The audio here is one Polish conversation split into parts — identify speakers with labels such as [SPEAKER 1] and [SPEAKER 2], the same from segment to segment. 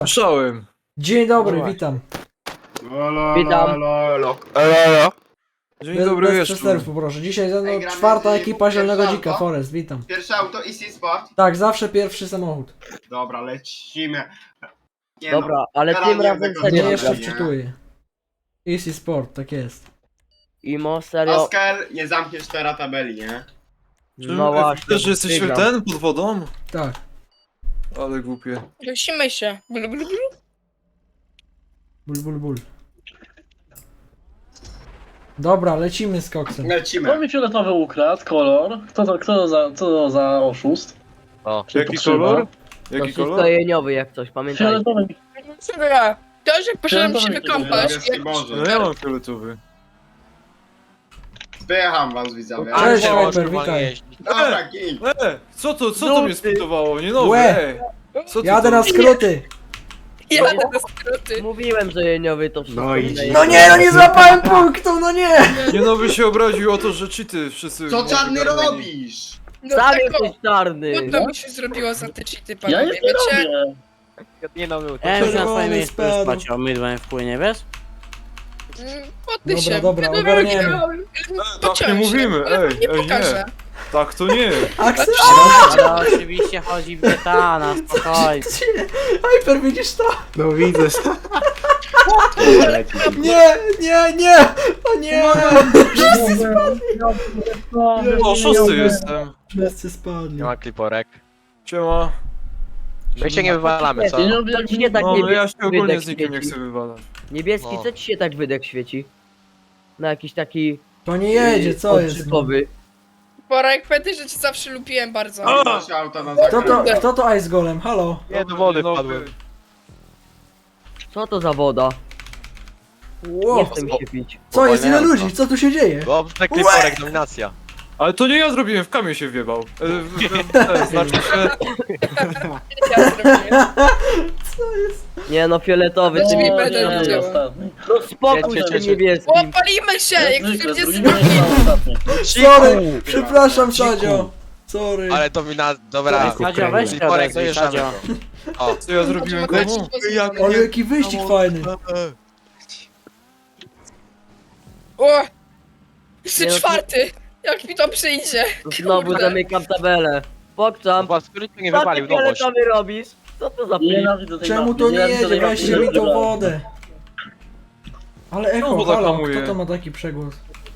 [SPEAKER 1] Słyszałem.
[SPEAKER 2] Dzień dobry,
[SPEAKER 3] No
[SPEAKER 2] witam.
[SPEAKER 3] Witam.
[SPEAKER 1] Dzień dobry
[SPEAKER 2] Bez
[SPEAKER 1] wieczór.
[SPEAKER 2] przestępstw, proszę. Dzisiaj ze mną
[SPEAKER 4] Ej, gramy
[SPEAKER 2] czwarta
[SPEAKER 4] z-
[SPEAKER 2] ekipa
[SPEAKER 4] pierwsze
[SPEAKER 2] Zielonego
[SPEAKER 4] auto?
[SPEAKER 2] Dzika, Forest, witam.
[SPEAKER 4] Pierwsze auto Easy Sport.
[SPEAKER 2] Tak, zawsze pierwszy samochód.
[SPEAKER 4] Dobra, lecimy. Nie
[SPEAKER 3] Dobra, ale
[SPEAKER 4] Teraz
[SPEAKER 3] tym
[SPEAKER 4] nie
[SPEAKER 3] razem
[SPEAKER 4] będę
[SPEAKER 2] Nie,
[SPEAKER 4] Nie,
[SPEAKER 3] serio.
[SPEAKER 2] jeszcze
[SPEAKER 4] nie.
[SPEAKER 2] wczytuję. Easy Sport, tak jest.
[SPEAKER 3] Imo,
[SPEAKER 4] no.
[SPEAKER 3] serio.
[SPEAKER 4] Oskar, nie zamkniesz teraz tabeli, nie?
[SPEAKER 3] No właśnie.
[SPEAKER 1] Też jesteś
[SPEAKER 3] wygram.
[SPEAKER 1] ten pod wodą?
[SPEAKER 2] Tak.
[SPEAKER 1] Ale głupie.
[SPEAKER 5] Dusimy się. Blu, blu, blu.
[SPEAKER 2] Ból, ból, ból. Dobra, lecimy z koksem.
[SPEAKER 6] Kto
[SPEAKER 4] Lecimy.
[SPEAKER 6] mi fioletowy ukradł? Kolor? Co to za oszust? Czy
[SPEAKER 1] Jaki
[SPEAKER 6] pokrzywa?
[SPEAKER 1] kolor?
[SPEAKER 3] To
[SPEAKER 1] Jaki
[SPEAKER 3] wszystko
[SPEAKER 1] kolor?
[SPEAKER 3] jeniowy jak coś, pamiętajcie.
[SPEAKER 6] Fioletowy mi...
[SPEAKER 5] Dobra. To, że poszedłem się
[SPEAKER 6] Fioletowy
[SPEAKER 5] wykąpać.
[SPEAKER 4] Niebieski Boże.
[SPEAKER 1] No ja mam fioletowy.
[SPEAKER 4] Spycham was widzowie.
[SPEAKER 2] Cześć,
[SPEAKER 3] Ale
[SPEAKER 2] Hyper, witaj.
[SPEAKER 4] Dobra, gin.
[SPEAKER 1] Co to mnie spytowało? Nie nowe,
[SPEAKER 2] Łe.
[SPEAKER 1] Co to
[SPEAKER 2] Jadę
[SPEAKER 1] to?
[SPEAKER 2] na skróty.
[SPEAKER 5] Jadę na skróty.
[SPEAKER 3] Mówiłem, że jeniowy to wszystko.
[SPEAKER 4] No i-
[SPEAKER 3] wydaje.
[SPEAKER 2] No nie, no nie złapałem punktu, no nie!
[SPEAKER 1] Nie nowy się obraził o to, że cheaty wszyscy...
[SPEAKER 4] Co czarny
[SPEAKER 1] ogarnęli.
[SPEAKER 4] robisz?
[SPEAKER 5] No
[SPEAKER 3] Sam
[SPEAKER 5] tak,
[SPEAKER 3] jesteś czarny.
[SPEAKER 5] trudno mi się zrobiło za te cheaty,
[SPEAKER 6] Ja
[SPEAKER 5] panowie,
[SPEAKER 6] nic nie
[SPEAKER 5] wiecie?
[SPEAKER 6] robię.
[SPEAKER 7] Nie no, był.
[SPEAKER 2] Czerwony
[SPEAKER 7] na swoje miejsce
[SPEAKER 2] spadł.
[SPEAKER 7] spać, a mydłem wpłynie, wiesz?
[SPEAKER 5] Podny
[SPEAKER 2] Dobra,
[SPEAKER 5] się.
[SPEAKER 2] dobra,
[SPEAKER 5] Wiadomo,
[SPEAKER 2] ogarniemy.
[SPEAKER 1] Tak nie mówimy, ej,
[SPEAKER 5] Nie
[SPEAKER 1] ej,
[SPEAKER 5] pokażę.
[SPEAKER 1] nie. Tak to nie.
[SPEAKER 2] Axel,
[SPEAKER 7] Ale oczywiście chodzi w detana, spokojnie.
[SPEAKER 2] Hyper, widzisz to?
[SPEAKER 4] No widzę.
[SPEAKER 2] Nie, nie, nie! O nie!
[SPEAKER 1] O, szósty jestem.
[SPEAKER 2] Wszyscy spadli.
[SPEAKER 7] Nie ma kliporek.
[SPEAKER 1] Siema.
[SPEAKER 7] My się nie wywalamy, co?
[SPEAKER 6] Nie robię
[SPEAKER 3] Co
[SPEAKER 6] jak
[SPEAKER 3] ci się tak
[SPEAKER 1] No, no ja się ogólnie
[SPEAKER 3] wydech
[SPEAKER 1] z nikim nie
[SPEAKER 3] świeci?
[SPEAKER 1] chcę wywalać.
[SPEAKER 3] Niebieski,
[SPEAKER 7] No.
[SPEAKER 3] co ci się tak wydech świeci? Na jakiś taki...
[SPEAKER 2] To nie jedzie, co jest?
[SPEAKER 3] odczytowy.
[SPEAKER 5] Porek, pamiętaj, że cię zawsze lubiłem bardzo.
[SPEAKER 1] A!
[SPEAKER 4] Masz auto na
[SPEAKER 2] Kto to Ice Golem? Halo?
[SPEAKER 7] Nie, do wody
[SPEAKER 1] Nowy.
[SPEAKER 7] wpadłem.
[SPEAKER 3] Co to za woda? Nie
[SPEAKER 2] Ło.
[SPEAKER 3] chcę mi się pić.
[SPEAKER 2] Co jest? Ile ludzi? Co tu się dzieje?
[SPEAKER 7] Dobrze, kliporek, dominacja.
[SPEAKER 1] Ale to nie ja zrobiłem, w kamień się wjebał. Znaczy się...
[SPEAKER 5] Ja zrobiłem.
[SPEAKER 2] Co jest?
[SPEAKER 3] Nie no, fioletowy, ty mi
[SPEAKER 5] No, będę
[SPEAKER 3] nie
[SPEAKER 5] widziała.
[SPEAKER 6] ostatni.
[SPEAKER 3] No spokój
[SPEAKER 7] Wiecie,
[SPEAKER 3] z tym
[SPEAKER 7] wiecie.
[SPEAKER 3] niebieskim.
[SPEAKER 5] Opalimy się, jak
[SPEAKER 6] Zwykle,
[SPEAKER 5] ludzie
[SPEAKER 6] drugi
[SPEAKER 5] zrobili.
[SPEAKER 6] będzie ostatni.
[SPEAKER 2] Sorry, przepraszam Sadzio. Sorry.
[SPEAKER 7] Ale dobra.
[SPEAKER 8] Sadzio, weź się
[SPEAKER 7] Kliporek,
[SPEAKER 8] odezwij,
[SPEAKER 7] dojeżdżamy.
[SPEAKER 8] Sadzio.
[SPEAKER 7] O,
[SPEAKER 1] Co ja zrobiłem komu?
[SPEAKER 2] Ale jaki wyścig fajny.
[SPEAKER 5] O! Jeszcze
[SPEAKER 3] Nie, no to-
[SPEAKER 5] czwarty! Jak mi to przyjdzie?
[SPEAKER 3] Znowu
[SPEAKER 5] Kurde.
[SPEAKER 3] zamykam tabelę. Pokczam.
[SPEAKER 7] was któryś mnie
[SPEAKER 3] Co ty
[SPEAKER 7] wywalił, nowość.
[SPEAKER 3] fioletowy robisz? Co to za plik?
[SPEAKER 6] Nienawidzę tej
[SPEAKER 2] Czemu
[SPEAKER 6] mapy,
[SPEAKER 2] to nie
[SPEAKER 6] nienawidzę tej
[SPEAKER 2] jedzie?
[SPEAKER 6] mapy,
[SPEAKER 2] Weźcie mi tą
[SPEAKER 6] nienawidzę.
[SPEAKER 2] wodę. Ale
[SPEAKER 1] No,
[SPEAKER 2] echo,
[SPEAKER 1] woda
[SPEAKER 2] halo,
[SPEAKER 1] hamuje.
[SPEAKER 2] kto to ma taki przegłos?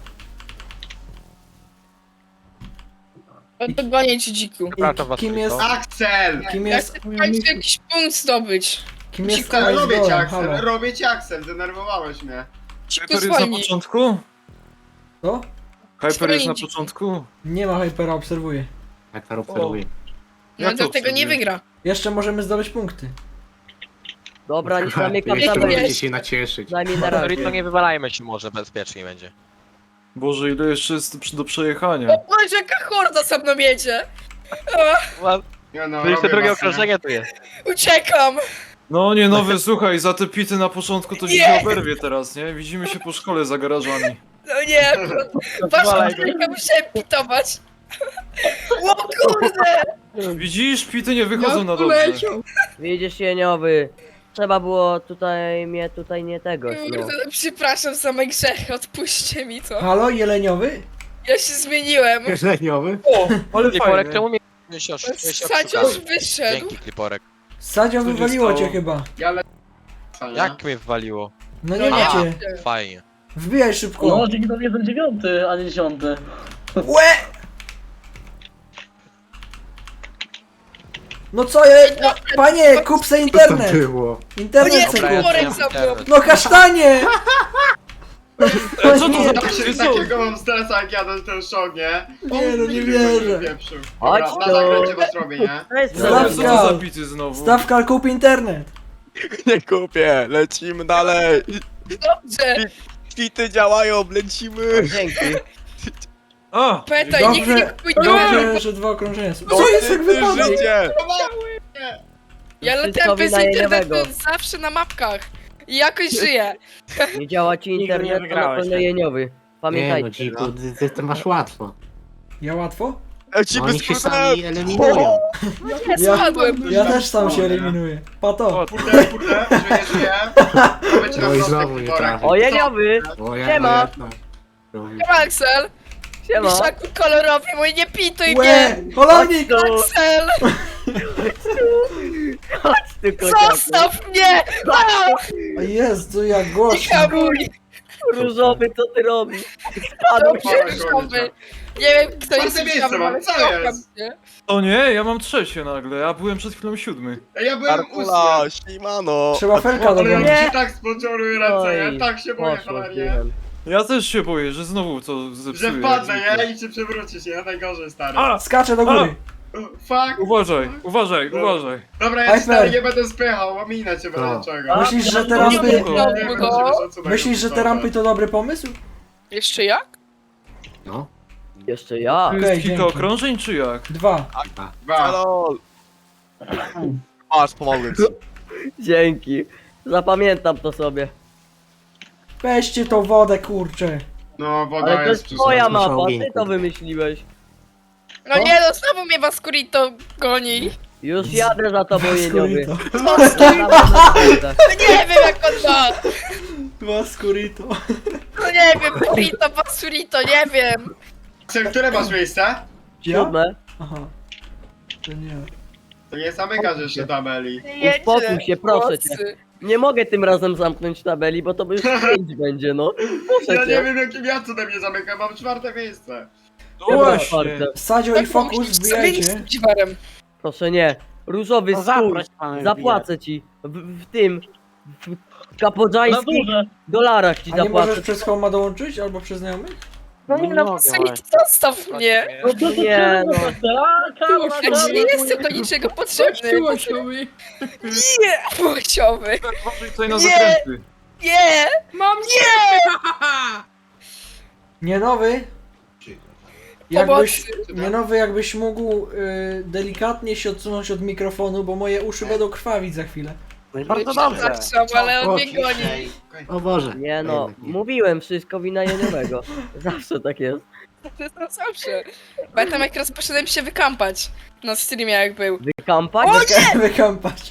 [SPEAKER 5] No to gonię ci dziku.
[SPEAKER 7] Przepraszam was,
[SPEAKER 2] Kim jest,
[SPEAKER 4] Axel!
[SPEAKER 2] kim
[SPEAKER 5] Ja
[SPEAKER 2] jest,
[SPEAKER 5] chcę w końcu jakiś punkt zdobyć.
[SPEAKER 2] kim jest
[SPEAKER 5] Dziku,
[SPEAKER 2] Ice
[SPEAKER 4] Robię cię
[SPEAKER 2] Golem?
[SPEAKER 4] Axel,
[SPEAKER 2] Halo.
[SPEAKER 4] robię cię Axel, denerwowałeś mnie.
[SPEAKER 5] Dziku
[SPEAKER 1] Hyper jest na
[SPEAKER 5] zwolnij.
[SPEAKER 1] początku?
[SPEAKER 2] Co?
[SPEAKER 1] Hyper jest na
[SPEAKER 5] Dziki.
[SPEAKER 1] początku?
[SPEAKER 2] Nie ma Hypera, obserwuję.
[SPEAKER 4] Hyper
[SPEAKER 1] obserwuję.
[SPEAKER 5] No
[SPEAKER 1] Jak to
[SPEAKER 5] dlatego nie
[SPEAKER 1] obserwuję?
[SPEAKER 5] wygra.
[SPEAKER 2] Jeszcze możemy zdobyć punkty.
[SPEAKER 3] Dobra, nie zamykam
[SPEAKER 5] jeszcze
[SPEAKER 3] tabelę.
[SPEAKER 5] możecie
[SPEAKER 4] się nacieszyć.
[SPEAKER 3] Przynajmniej na razie.
[SPEAKER 7] To nie wywalajmy się może, bezpiecznie będzie.
[SPEAKER 1] Boże, ile jeszcze jest do przejechania.
[SPEAKER 5] O Boże, jaka horda za mną jedzie!
[SPEAKER 4] Nie no,
[SPEAKER 7] To jeszcze
[SPEAKER 4] robię
[SPEAKER 7] drugie
[SPEAKER 4] was, nie?
[SPEAKER 7] okrążenie tu jest.
[SPEAKER 5] Uciekam!
[SPEAKER 1] No nie nowy, słuchaj, za te pity na początku to
[SPEAKER 5] Nie.
[SPEAKER 1] się oberwie teraz, nie? Widzimy się po szkole za garażami.
[SPEAKER 5] No nie, wasza trójka musiałem pitować. O kurde!
[SPEAKER 1] Widzisz, pity nie wychodzą na dobrze.
[SPEAKER 5] poleciał.
[SPEAKER 3] Widzisz jeniowy. Trzeba było mnie tutaj nie tego, no.
[SPEAKER 5] Kurde, no przepraszam za moje grzechy, odpuśćcie mi to.
[SPEAKER 2] Halo, Jeleniowy?
[SPEAKER 5] Ja się zmieniłem.
[SPEAKER 1] O, ale
[SPEAKER 7] Kliporek,
[SPEAKER 1] fajnie.
[SPEAKER 7] czemu mnie się oszukałeś?
[SPEAKER 5] Sadziusz wyszedł.
[SPEAKER 7] Dzięki, kliporek.
[SPEAKER 2] Sadzio
[SPEAKER 1] Co się
[SPEAKER 2] wywaliło cię
[SPEAKER 1] stało?
[SPEAKER 2] chyba.
[SPEAKER 4] Ja lecę. nie?
[SPEAKER 7] Jak mnie wywaliło?
[SPEAKER 2] No nie
[SPEAKER 5] No
[SPEAKER 2] macie.
[SPEAKER 7] Fajnie.
[SPEAKER 2] Wbijaj szybko.
[SPEAKER 6] No, dzięki tobie jestem 9, a nie 10.
[SPEAKER 2] Łe! No co je? No, panie, kup se internet.
[SPEAKER 4] było?
[SPEAKER 5] O
[SPEAKER 2] Internet
[SPEAKER 5] nie,
[SPEAKER 2] se
[SPEAKER 7] Dobra,
[SPEAKER 2] kup.
[SPEAKER 7] ja
[SPEAKER 5] worek
[SPEAKER 7] wiem,
[SPEAKER 5] za mną.
[SPEAKER 7] wiem.
[SPEAKER 2] No kasztanie!
[SPEAKER 1] Co to za
[SPEAKER 4] Takie,
[SPEAKER 1] pity są?
[SPEAKER 4] takiego mam stresa jak jadę ten szok, nie?
[SPEAKER 2] Nie, no nie wierzę.
[SPEAKER 3] Chodź
[SPEAKER 4] Dobra,
[SPEAKER 3] tu.
[SPEAKER 4] na zakręcie was robię, nie?
[SPEAKER 3] To jest
[SPEAKER 1] Co
[SPEAKER 2] Stawka.
[SPEAKER 1] to za pity znowu?
[SPEAKER 2] Stawka, kup internet.
[SPEAKER 9] Nie kupię, lecimy dalej.
[SPEAKER 5] Dobrze.
[SPEAKER 9] Kwity działają, lecimy.
[SPEAKER 3] Dzięki.
[SPEAKER 1] A!
[SPEAKER 5] Pamiętaj, nigdy nie
[SPEAKER 2] Dobrze,
[SPEAKER 5] kupuj
[SPEAKER 2] dobrze, że dwa okrążenia są. Co jest jak wypadek?
[SPEAKER 9] Życie.
[SPEAKER 5] Ja
[SPEAKER 3] Wszystko
[SPEAKER 5] latałem bez
[SPEAKER 3] wina
[SPEAKER 5] internetu
[SPEAKER 3] jeniowego.
[SPEAKER 5] zawsze na mapkach. I jakoś żyję.
[SPEAKER 3] Nie działa ci
[SPEAKER 8] Nigdy nie
[SPEAKER 3] internet, to na
[SPEAKER 8] wygrałeś,
[SPEAKER 3] pewno
[SPEAKER 8] tak.
[SPEAKER 3] jeniowy. Pamiętajcie.
[SPEAKER 4] Dziku, ty masz łatwo.
[SPEAKER 2] Ja łatwo?
[SPEAKER 9] Lecimy
[SPEAKER 8] Oni
[SPEAKER 9] z
[SPEAKER 8] się
[SPEAKER 9] Krusem!
[SPEAKER 8] sami eliminują.
[SPEAKER 5] Nie, spadłem.
[SPEAKER 2] Ja też sam się eliminuję. Pato.
[SPEAKER 1] O,
[SPEAKER 4] Kurde, żyję. To będzie
[SPEAKER 8] No i
[SPEAKER 4] na
[SPEAKER 8] znowu
[SPEAKER 4] prostek
[SPEAKER 8] nie
[SPEAKER 4] worek.
[SPEAKER 8] trafił.
[SPEAKER 3] O, Jeniowy!
[SPEAKER 8] O, ja,
[SPEAKER 3] Siema.
[SPEAKER 8] ja, no. Robił.
[SPEAKER 5] Siema, Axel.
[SPEAKER 3] Siema!
[SPEAKER 5] Miszaku kolorowy, mój nie pituj
[SPEAKER 2] Łe!
[SPEAKER 5] mnie.
[SPEAKER 2] Holownik!
[SPEAKER 3] No,
[SPEAKER 5] Axel,
[SPEAKER 3] chodź tu, kociaku.
[SPEAKER 5] zostaw mnie.
[SPEAKER 2] O Jezu, jak
[SPEAKER 5] Nie
[SPEAKER 2] głośno.
[SPEAKER 5] hamuj.
[SPEAKER 3] Różowy, co ty robisz?
[SPEAKER 5] Dobrze,
[SPEAKER 4] Dobra,
[SPEAKER 5] różowy. Nie wiem, kto jest
[SPEAKER 4] Czwarte miejsce
[SPEAKER 5] różowy,
[SPEAKER 4] mam,
[SPEAKER 5] ale
[SPEAKER 4] co
[SPEAKER 5] kocham
[SPEAKER 4] jest?
[SPEAKER 5] cię.
[SPEAKER 1] o nie, ja mam trzecie nagle, ja byłem przed chwilą 7.
[SPEAKER 4] Ja byłem
[SPEAKER 9] Artula,
[SPEAKER 4] ósmy.
[SPEAKER 9] ślimano!
[SPEAKER 2] Trzeba felka
[SPEAKER 4] Ale ja
[SPEAKER 2] dogonić.
[SPEAKER 4] mi się tak sponczoruję ręce, ja
[SPEAKER 3] Oj,
[SPEAKER 4] tak się boję,
[SPEAKER 3] poszło
[SPEAKER 4] cholernie.
[SPEAKER 3] tyłem.
[SPEAKER 1] Ja też się boję, że znowu co zepsuję.
[SPEAKER 4] Że wpadnę, nie? I cię przewrócisz, nie? Najgorzej, stary.
[SPEAKER 1] A!
[SPEAKER 2] Skaczę do góry.
[SPEAKER 4] Fuck.
[SPEAKER 1] Uważaj, uważaj, uważaj.
[SPEAKER 4] Dobra, ja
[SPEAKER 2] Hyper.
[SPEAKER 4] stary nie będę spychał, ominę cię
[SPEAKER 8] No.
[SPEAKER 4] będę czego.
[SPEAKER 2] Myślisz, że te
[SPEAKER 5] Nie
[SPEAKER 2] rampy...
[SPEAKER 5] wiem,
[SPEAKER 4] Nie będę cię szacunek.
[SPEAKER 2] Myślisz, że te rampy to dobry pomysł?
[SPEAKER 5] Jeszcze jak?
[SPEAKER 8] No.
[SPEAKER 3] Jeszcze ja.
[SPEAKER 1] To
[SPEAKER 2] Okej,
[SPEAKER 1] jest kilka
[SPEAKER 2] dzięki.
[SPEAKER 1] okrążeń czy jak?
[SPEAKER 2] 2.
[SPEAKER 4] Dwa.
[SPEAKER 9] Hello! Masz, pomogę ci.
[SPEAKER 3] Dzięki. Zapamiętam to sobie.
[SPEAKER 2] Weźcie tą wodę, kurczę.
[SPEAKER 4] No, woda
[SPEAKER 3] Ale to
[SPEAKER 4] jest
[SPEAKER 3] jest twoja
[SPEAKER 8] Muszę
[SPEAKER 3] mapa,
[SPEAKER 8] ogień
[SPEAKER 3] ty to
[SPEAKER 8] kupić.
[SPEAKER 3] wymyśliłeś.
[SPEAKER 5] No nie, no znowu mnie Vascurito goni.
[SPEAKER 3] Już jadę za tobą, Jeniowy.
[SPEAKER 2] Vascurito.
[SPEAKER 5] No nie wiem jak on ma.
[SPEAKER 2] Vascurito.
[SPEAKER 5] No nie wiem, Burrito, Vascurito, nie wiem.
[SPEAKER 4] Które masz miejsce?
[SPEAKER 2] Ja?
[SPEAKER 3] Siódme.
[SPEAKER 2] Aha. To nie.
[SPEAKER 4] To nie zamykasz jeszcze tabeli.
[SPEAKER 3] Uspokój się, proszę cię.
[SPEAKER 5] Mocy.
[SPEAKER 3] Nie mogę tym razem zamknąć tabeli, bo to by już 5 będzie, no.
[SPEAKER 4] Ja
[SPEAKER 3] Proszę
[SPEAKER 4] nie
[SPEAKER 3] cię.
[SPEAKER 4] wiem jakim ja cudem nie zamykam, mam czwarte miejsce.
[SPEAKER 1] No
[SPEAKER 3] Dobra,
[SPEAKER 1] właśnie.
[SPEAKER 3] czwarte.
[SPEAKER 2] Sadzio i Fokus, wbijajcie.
[SPEAKER 5] Dziwarem.
[SPEAKER 3] Proszę nie. Różowy
[SPEAKER 7] No
[SPEAKER 3] stół.
[SPEAKER 7] zaproś pan.
[SPEAKER 3] Zapłacę ci. W tym. W
[SPEAKER 6] Na
[SPEAKER 3] kapodżańskich
[SPEAKER 6] górze.
[SPEAKER 3] dolarach ci
[SPEAKER 2] A nie
[SPEAKER 3] zapłacę.
[SPEAKER 2] możesz przez Homa dołączyć? Albo przez znajomych?
[SPEAKER 5] No nie, no
[SPEAKER 7] mogę,
[SPEAKER 5] Vascurito,
[SPEAKER 7] właśnie.
[SPEAKER 5] zostaw mnie.
[SPEAKER 6] No to
[SPEAKER 3] Nie, no.
[SPEAKER 5] Ja ci nie jestem do niczego potrzebny. Nie, płciowy.
[SPEAKER 1] Uważaj tutaj na
[SPEAKER 5] Nie.
[SPEAKER 1] zakręty.
[SPEAKER 5] Nie, mam nie.
[SPEAKER 2] Nie nowy? Jakbyś,
[SPEAKER 5] Pomocy.
[SPEAKER 2] nie nowy, jakbyś mógł delikatnie się odsunąć od mikrofonu, bo moje uszy będą krwawić za chwilę.
[SPEAKER 7] No i bardzo dobrze.
[SPEAKER 5] Przepraszam, ale on mnie goni.
[SPEAKER 8] O Boże.
[SPEAKER 3] Nie no,
[SPEAKER 8] Jednak nie.
[SPEAKER 3] mówiłem wszystko wina Jeniowego. Zawsze tak jest.
[SPEAKER 5] To jest na zawsze. Pamiętam jak raz poszedłem się wykampać na streamie jak był.
[SPEAKER 3] Wykampać?
[SPEAKER 2] Wykampać.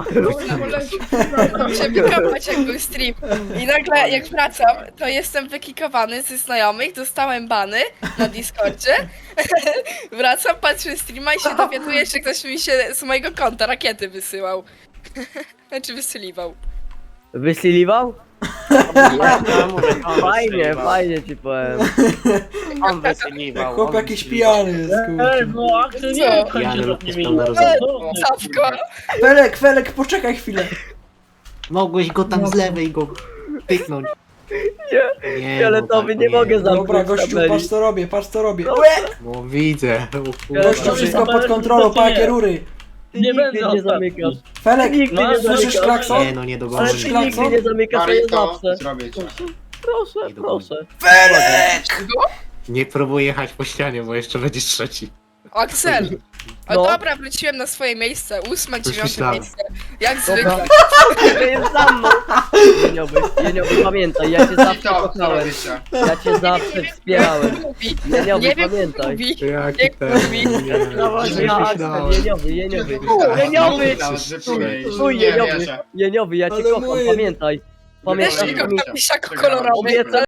[SPEAKER 5] Się wykampać jak był stream. I nagle jak wracam, to jestem wykikowany ze znajomych, dostałem bany na Discordzie. Wracam, patrzę streama i się dowiaduję, że ktoś mi się z mojego konta rakiety wysyłał. Znaczy wysyliwał.
[SPEAKER 3] Wysiliwał?
[SPEAKER 7] Ja mówię, on
[SPEAKER 3] Fajnie,
[SPEAKER 7] wystrzeliwał.
[SPEAKER 3] fajnie ci powiem.
[SPEAKER 7] On wystrzeliwał.
[SPEAKER 2] Chłop
[SPEAKER 7] on
[SPEAKER 2] jakiś
[SPEAKER 7] wystrzeliwał.
[SPEAKER 2] pijany jest,
[SPEAKER 6] Ej,
[SPEAKER 2] kurczę.
[SPEAKER 6] no Axel nie
[SPEAKER 5] Co?
[SPEAKER 6] kończy
[SPEAKER 8] Pijany
[SPEAKER 6] za
[SPEAKER 8] lub
[SPEAKER 6] nimi.
[SPEAKER 8] niespełna
[SPEAKER 5] Czapko.
[SPEAKER 2] Felek, Felek, poczekaj chwilę.
[SPEAKER 8] Mogłeś go tam z lewej go pyknąć. Nie,
[SPEAKER 3] Fioletowy,
[SPEAKER 8] no,
[SPEAKER 3] nie mogę
[SPEAKER 2] Dobra,
[SPEAKER 3] zamknąć
[SPEAKER 2] gościu,
[SPEAKER 3] tabeli.
[SPEAKER 2] patrz co robię, patrz co robię.
[SPEAKER 8] No widzę.
[SPEAKER 2] Gościu, wszystko pod kontrolą, pa jakie rury.
[SPEAKER 3] Ty
[SPEAKER 6] Nie
[SPEAKER 3] nigdy
[SPEAKER 6] będę
[SPEAKER 3] nie
[SPEAKER 6] ostatni.
[SPEAKER 3] zamykasz.
[SPEAKER 2] Felek,
[SPEAKER 3] Nigdy nie
[SPEAKER 2] słyszysz
[SPEAKER 3] zamykasz.
[SPEAKER 2] klakson?
[SPEAKER 8] Nie no, nie
[SPEAKER 3] Ale
[SPEAKER 8] dogonisz.
[SPEAKER 3] ty nigdy
[SPEAKER 2] klakson?
[SPEAKER 3] nie zamykasz, to jest
[SPEAKER 4] Marito,
[SPEAKER 3] zawsze.
[SPEAKER 4] zrobię cię.
[SPEAKER 3] Proszę,
[SPEAKER 8] Nie dogonisz.
[SPEAKER 3] proszę.
[SPEAKER 8] Nie próbuj jechać po ścianie, bo jeszcze będziesz trzeci.
[SPEAKER 5] Axel. O
[SPEAKER 3] No.
[SPEAKER 5] dobra, wróciłem na swoje miejsce. 8, 9
[SPEAKER 8] myślałem.
[SPEAKER 5] miejsce. Jak
[SPEAKER 3] Dobra.
[SPEAKER 5] zwykle.
[SPEAKER 3] To jest za mną. Jeniowy, pamiętaj, ja cię zawsze
[SPEAKER 4] I to, co
[SPEAKER 3] kochałem.
[SPEAKER 4] robicie?
[SPEAKER 3] Ja cię zawsze wspierałem.
[SPEAKER 5] Mówi.
[SPEAKER 3] Jeniowy,
[SPEAKER 5] Nie wiem, co
[SPEAKER 3] pamiętaj.
[SPEAKER 5] mówi.
[SPEAKER 8] Jaki
[SPEAKER 5] Jak
[SPEAKER 8] ten...
[SPEAKER 5] mówi.
[SPEAKER 3] No
[SPEAKER 8] Nie,
[SPEAKER 3] ja,
[SPEAKER 8] myślałem.
[SPEAKER 3] Jeniowy. Jeniowy,
[SPEAKER 4] Nawet, że przyjdzie.
[SPEAKER 3] Chuj,
[SPEAKER 4] Nie
[SPEAKER 3] Jeniowy.
[SPEAKER 4] wierzę.
[SPEAKER 3] Jeniowy, ja cię
[SPEAKER 2] Ale
[SPEAKER 3] kocham,
[SPEAKER 2] mój-
[SPEAKER 3] pamiętaj.
[SPEAKER 5] Też
[SPEAKER 3] Pamiętaj,
[SPEAKER 5] jego
[SPEAKER 4] Przegrałem.
[SPEAKER 5] misiak kolorowy.
[SPEAKER 3] obiecaj